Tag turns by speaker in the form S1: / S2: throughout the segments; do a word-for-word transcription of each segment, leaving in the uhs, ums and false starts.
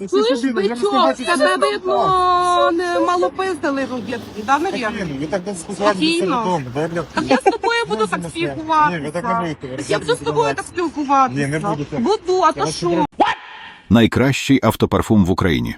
S1: Чуєш, бичок, тебе видно, не мало пиздили рудять, да, Марія?
S2: Ви так не спілкуватися
S1: Спокійно.
S2: додому.
S1: Так я з тобою буду так
S2: Ні,
S1: спілкуватися.
S2: ви так не будете.
S1: Так я буду з тобою так спілкуватися.
S2: Ні, не будете.
S1: Буду, а то
S2: вас
S1: що?
S3: Найкращий автопарфум в Україні.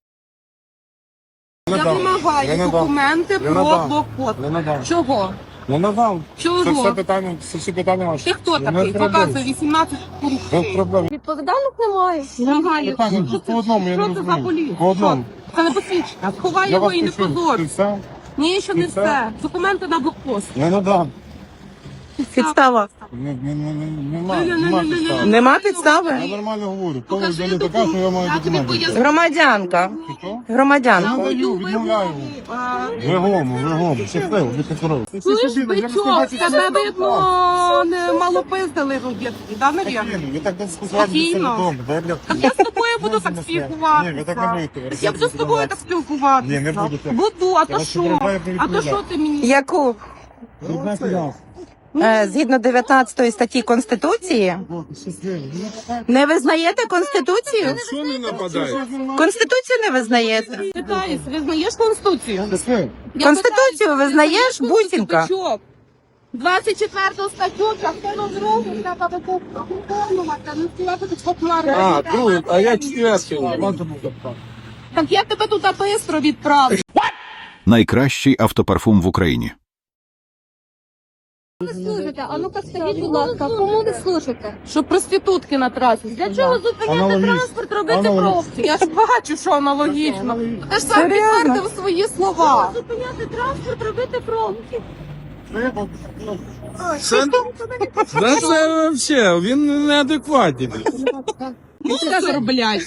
S1: Я вимагаю
S2: Не надам.
S1: документи
S2: Не
S1: про
S2: надам.
S1: блокпост.
S2: Не надам.
S1: Чого?
S2: Не надам.
S1: Чого?
S2: Це все питання, це всі питання ваші.
S1: Ти хто
S2: Не
S1: такий?
S2: треба.
S1: Показуй вісімнадцять пунктів.
S2: Без проблем.
S1: Відповідальних немає. Немає.
S2: Питання,
S1: Що
S2: по
S1: це-
S2: одному, я не
S1: що це за
S2: розумію.
S1: поліція?
S2: По одному.
S1: Що? Це не посвідчення. Сховай
S2: Я
S1: його
S2: вас
S1: і не
S2: почув.
S1: позор.
S2: Ти все?
S1: Ні, ще не
S2: Ти все?
S1: все. Документи на блокпост.
S2: Не надам.
S4: Підстава.
S2: Не, не, не, не, нема,
S1: Ні-ні-ні-ні-ні.
S2: нема підстави.
S4: Нема підстави?
S2: Я нормально говорю. Коли
S1: Покажи
S2: вже не така, що я маю
S1: документ. Я тобі
S2: документи.
S1: поясню.
S4: Громадянка.
S2: Ти що?
S4: Громадянка.
S2: Я даю, відмовляю. Вигому, вигому. Щасливо, будьте здорові.
S1: Чуєш, бичок, тебе видно, не мало пиздили рудять, да, Марія?
S2: Ви так не спілкуватися
S1: Спокійно.
S2: додому.
S1: Так я з тобою буду так
S2: Ні, ви
S1: спілкуватися.
S2: так не будете.
S1: Так я буду з тобою так спілкуватися.
S2: Ні, не будете.
S1: Буду, а то
S2: вас
S1: що?
S2: попереджаю,
S1: А то
S2: відповідаю.
S1: що ти мені?
S4: Яку е, згідно дев'ятнадцятої статті Конституції не визнаєте Конституцію?
S2: Що не нападає?
S4: Конституцію не визнаєте.
S1: Питаюсь, визнаєш Конституцію? Я
S4: Конституцію
S1: питаюсь,
S4: визнаєш,
S1: Конституцію,
S4: бусінка?
S1: бичок? двадцять четверту статтю, частину другу, треба виконувати, не співати тут популярно.
S5: А, другу, а я четвертый.
S1: Так я тебе туди бистро відправлю.
S3: Найкращий автопарфум в Україні.
S6: Ви служите? А ну-ка скажіть, будь ласка, кому ви служите?
S1: Що проститутки на трасі. Для чого зупиняти
S2: Аналогічно.
S1: транспорт, робити
S2: Аналогічно.
S1: пробки? Я ж бачу, що аналогічно. Ти ж сам
S4: Серйозно?
S1: підтвердив свої слова.
S6: Зупиняти транспорт, робити пробки.
S5: Це, да це вообще, він неадекватний.
S1: Мусор, блядь.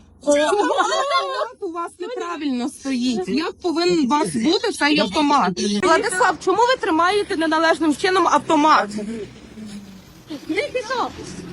S1: У вас неправильно стоїть. Як повинен у вас бути цей автомат? Владислав, чому ви тримаєте неналежним чином автомат?
S6: Не пішов.